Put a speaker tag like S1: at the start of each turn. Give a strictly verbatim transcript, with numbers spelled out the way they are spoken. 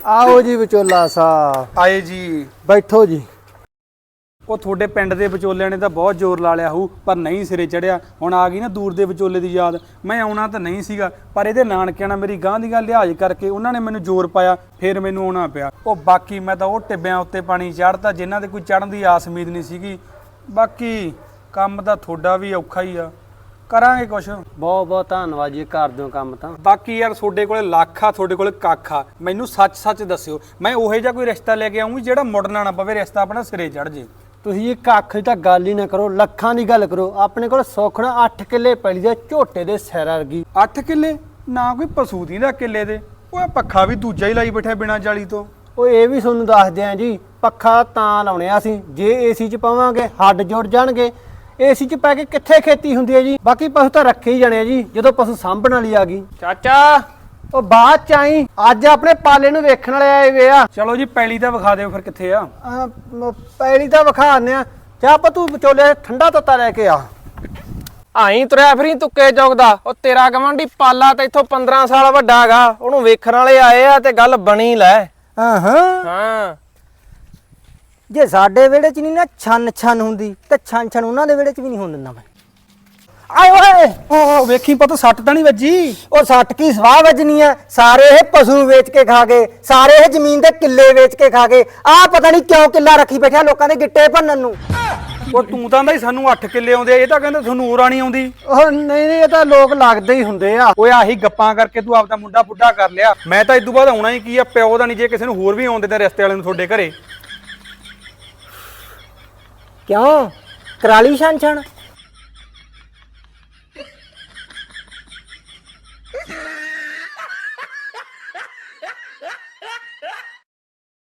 S1: आओ जी विचोला साहब।
S2: आए जी।
S1: बैठो जी।
S2: ਉਹ ਤੁਹਾਡੇ ਪਿੰਡ ਦੇ ਵਿਚੋਲਿਆਂ ਨੇ ਤਾਂ ਬਹੁਤ ਜ਼ੋਰ ਲਾ ਲਿਆ ਹੋਊ ਪਰ ਨਹੀਂ ਸਿਰੇ ਚੜਿਆ। ਹੁਣ ਆ ਗਈ ਨਾ ਦੂਰ ਦੇ ਵਿਚੋਲੇ ਦੀ ਯਾਦ। ਮੈਂ ਆਉਣਾ ਤਾਂ ਨਹੀਂ ਸੀਗਾ ਪਰ ਇਹਦੇ ਨਾਨਕਿਆਂ ਨਾਲ ਮੇਰੀ ਗਾਂ ਦੀ ਗੱਲ ਲਿਹਾਜ਼ ਕਰਕੇ ਉਹਨਾਂ ਨੇ ਮੈਨੂੰ ਜ਼ੋਰ ਪਾਇਆ, ਫਿਰ ਮੈਨੂੰ ਆਉਣਾ ਪਿਆ। ਉਹ ਬਾਕੀ ਮੈਂ ਤਾਂ ਉਹ ਟਿੱਬਿਆਂ ਉੱਤੇ ਪਾਣੀ ਚੜ੍ਹਤਾ ਜਿਨ੍ਹਾਂ ਦੇ ਕੋਈ ਚੜ੍ਹਨ ਦੀ ਆਸ ਉਮੀਦ ਨਹੀਂ ਸੀਗੀ। ਬਾਕੀ ਕੰਮ ਤਾਂ ਤੁਹਾਡਾ ਵੀ ਔਖਾ ਹੀ ਆ, ਕਰਾਂਗੇ ਕੁਛ।
S1: ਬਹੁਤ ਬਹੁਤ ਧੰਨਵਾਦ ਜੀ, ਕਰ ਦਿਓ ਕੰਮ ਤਾਂ।
S2: ਬਾਕੀ ਯਾਰ ਤੁਹਾਡੇ ਕੋਲੇ ਲੱਖ ਆ, ਤੁਹਾਡੇ ਕੋਲੇ ਕੱਖ ਆ। ਮੈਨੂੰ ਸੱਚ ਸੱਚ ਦੱਸਿਓ, ਮੈਂ ਉਹੋ ਜਿਹਾ ਕੋਈ ਰਿਸ਼ਤਾ ਲੈ ਕੇ ਆਉਂਗੀ ਜਿਹੜਾ ਮੁੜਨਾ ਨਾ ਪਵੇ, ਰਿਸ਼ਤਾ ਆਪਣਾ ਸਿਰੇ ਚੜ੍ਹ ਜੇ।
S1: ਤੁਸੀਂ ਜੀ ਕੱਖ ਦੀ ਤਾਂ ਗੱਲ ਹੀ ਨਾ ਕਰੋ, ਲੱਖਾਂ ਦੀ ਗੱਲ ਕਰੋ। ਆਪਣੇ ਕੋਲ ਸੌਖਣਾ ਅੱਠ ਕਿੱਲੇ ਪੈਲੀ ਦੇ ਝੋਟੇ ਦੇ ਸਿਰ ਵਰਗੀ।
S2: ਅੱਠ ਕਿੱਲੇ ਨਾ ਕੋਈ ਪਸ਼ੂ ਦੀ ਦਾ ਕਿੱਲੇ ਦੇ। ਉਹ ਪੱਖਾ ਵੀ ਦੂਜਾ ਹੀ ਲਾਈ ਬੈਠਾ ਬਿਨਾਂ ਜਾਲੀ ਤੋਂ।
S1: ਉਹ ਇਹ ਵੀ ਤੁਹਾਨੂੰ ਦੱਸਦੇ ਆ ਜੀ, ਪੱਖਾ ਤਾਂ ਲਾਉਣੇ ਆ ਅਸੀਂ ਜੇ ਏਸੀ 'ਚ ਪਾਵਾਂਗੇ ਹੱਡ ਜੁੜ ਜਾਣਗੇ। ਏਸੀ 'ਚ ਪੈ ਕੇ ਕਿੱਥੇ ਖੇਤੀ ਹੁੰਦੀ ਹੈ ਜੀ। ਬਾਕੀ ਪਸ਼ੂ ਤਾਂ ਰੱਖੇ ਹੀ ਜਾਣੇ ਆ ਜੀ ਜਦੋਂ ਪਸ਼ੂ ਸਾਂਭਣ ਵਾਲੀ ਆ ਗਈ।
S2: ਚਾਚਾ
S1: ਉਹ ਬਾਅਦ ਚ ਆਈ, ਅੱਜ ਆਪਣੇ ਪਾਲੇ ਨੂੰ ਵੇਖਣ ਵਾਲੇ ਆਏ ਵੇ ਆ।
S2: ਚਲੋ ਜੀ ਪੈਲੀ ਤਾਂ ਵਿਖਾ ਦਿਓ ਫਿਰ ਕਿੱਥੇ ਆ।
S1: ਅਹ ਮ- ਪੈਲੀ ਤਾਂ ਵਿਖਾਣੇ ਆ। ਚਾਹ ਪਾ ਤੂੰ ਵਿਚੋਲੇ ਠੰਡਾ ਤੱਤਾ ਲੈ ਕੇ ਆ।
S3: ਆਈ ਤੁਰਿਆ ਫਰੀ ਤੁੱਕੇ ਚੌਕਦਾ। ਉਹ ਤੇਰਾ ਗਵਾਂਢੀ ਪਾਲਾ ਤੇ ਇੱਥੋਂ ਪੰਦਰਾਂ ਸਾਲ ਵੱਡਾ ਹੈਗਾ, ਉਹਨੂੰ ਵੇਖਣ ਵਾਲੇ ਆਏ ਆ ਤੇ ਗੱਲ ਬਣੀ ਲੈ।
S1: ਹਾਂ ਹਾਂ,
S3: ਹਾਂ
S1: ਜੇ ਸਾਡੇ ਵਿਹੜੇ 'ਚ ਨਹੀਂ ਨਾ ਛੰਨ ਛੰਨ ਹੁੰਦੀ ਤੇ ਛੰਨ ਛੰਨ ਉਹਨਾਂ ਦੇ ਵਿਹੜੇ 'ਚ ਵੀ ਨਹੀਂ ਹੋਣ ਦਿੰਦਾ ਮੈਂ। ਆਏ ਓਏ,
S2: ਓ ਵੇਖੀ ਪਤਾ ਸੱਟ ਤਾਂ ਨਹੀਂ ਵੱਜੀ।
S1: ਉਹ ਸੱਟ ਕੀ ਸਵਾਹ ਵੱਜਣੀ ਆ। ਸਾਰੇ ਇਹ ਪਸ਼ੂ ਵੇਚ ਕੇ ਖਾ ਗਏ, ਸਾਰੇ ਇਹ ਜ਼ਮੀਨ ਦੇ ਕਿੱਲੇ ਵੇਚ ਕੇ ਖਾ ਗਏ। ਆਹ ਪਤਾ ਨਹੀਂ ਕਿਉਂ ਕਿੱਲਾ ਰੱਖੀ ਬੈਠਿਆ ਲੋਕਾਂ ਦੇ ਗਿੱਟੇ ਭੰਨਣ ਨੂੰ।
S2: ਉਹ ਤੂੰ ਤਾਂ ਕਹਿੰਦਾ ਸਾਨੂੰ ਅੱਠ ਕਿੱਲੇ ਆਉਂਦੇ ਆ, ਇਹ ਤਾਂ ਕਹਿੰਦਾ ਤੁਹਾਨੂੰ ਹੋਰਾਂ ਨਹੀਂ ਆਉਂਦੀ।
S1: ਉਹ ਨਹੀਂ ਨਹੀਂ, ਇਹ ਤਾਂ ਲੋਕ ਲੱਗਦੇ ਹੀ ਹੁੰਦੇ ਆ।
S2: ਓਏ ਆਹੀ ਗੱਪਾਂ ਕਰਕੇ ਤੂੰ ਆਪਦਾ ਮੁੰਡਾ ਬੁੱਢਾ ਕਰ ਲਿਆ। ਮੈਂ ਤਾਂ ਇਦੋਂ ਬਾਅਦ ਆਉਣਾ ਹੀ ਕੀ ਆ, ਪਿਓ ਦਾ ਨਹੀਂ। ਜੇ ਕਿਸੇ ਨੂੰ ਹੋਰ ਵੀ ਆਉਂਦੇ ਤਾਂ ਰਿਸ਼ਤੇ ਵਾਲੇ ਨੂੰ ਤੁਹਾਡੇ ਘਰੇ।
S1: ਕਿਉਂ ਕਰਾਲੀ ਛਣ ਛਣ?